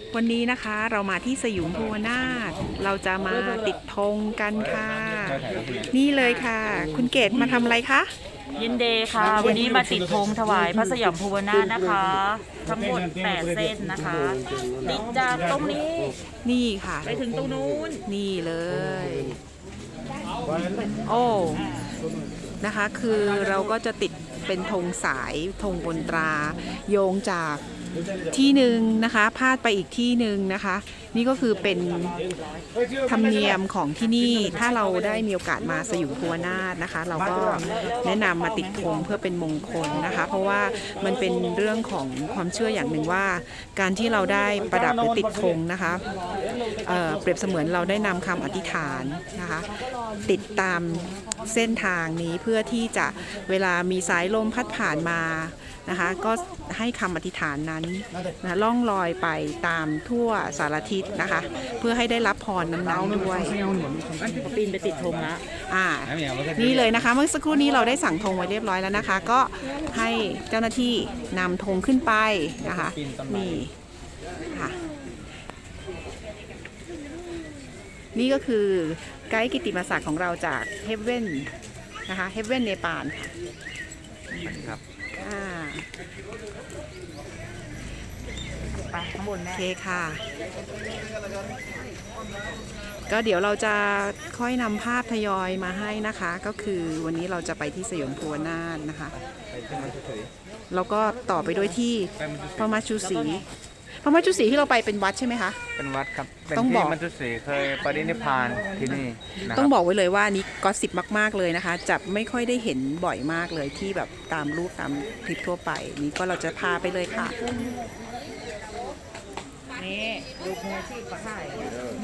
วันนี้นะคะเรามาที่สยุมภูวนาถเราจะมาติดธงกันค่ะ นี่เลยค่ะ คุณเกดมาทำอะไรคะยินดีค่ะ วันนี้มาติดธงถวายพระสยามภูวนาถนะคะ ทั้งหมด8เส้นนะคะ ติดจากตรงนี้นี่ค่ะไปถึงตรงนู้นนี่เลย โอ้นะคะคือเราก็จะติดเป็นธงสายธงบนตราโยงจากที่หนึ่งนะคะพาดไปอีกที่หนึ่งนะคะ นี่ก็คือเป็นธรรมเนียมของที่นี่ถ้าเราได้มีโอกาสมาสยุมภูวนาถนะคะ เราก็แนะนำมาติดธงเพื่อเป็นมงคลนะคะ เพราะว่ามันเป็นเรื่องของความเชื่ออย่างหนึ่งว่า การที่เราได้ประดับหรือติดธงนะคะเปรียบเสมือนเราได้นำคำอธิษฐานนะคะติดตามเส้นทางนี้เพื่อที่จะเวลามีสายลมพัดผ่านมานะคะก็ให้คำอธิษฐานนั้นนะล่องลอยไปตามทั่วสารทิศนะคะเพื่อให้ได้รับพรนั้นๆด้วยปีนไปติดธงละนี่เลยนะคะเมื่อสักครู่นี้เราได้สั่งธงไว้เรียบร้อยแล้วนะคะก็ให้เจ้าหน้าที่นำธงขึ้นไปนะคะนี่ค่ะนี่ก็คือไกด์กิตติมศักดิ์ของเราจากเฮฟเว่นนะคะเฮฟเว่นเนปาลค่ะไปข้างบนโอแม่เคค่ะก็เดี๋ยวเราจะค่อยนำภาพทยอยมาให้นะคะก็คือวันนี้เราจะไปที่สยามภูวนาถนะคะแล้วก็ต่อไปด้วยที่พระมัจจุศรีพระมัจจุศรีที่เราไปเป็นวัดใช่ไหมคะเป็นวัดครับ เป็นต้องบอที่กมัจจุศรีเคยปรินิพพานที่นี่นะคต้รัองบอกไว้เลยว่านี้ก็สิบมากๆเลยนะคะจะไม่ค่อยได้เห็นบ่อยมากเลยที่แบบตามรูปตามคลิปทั่วไปนี้ก็เราจะพาไปเลยค่ะนี่ดูมือที่ปะข่าย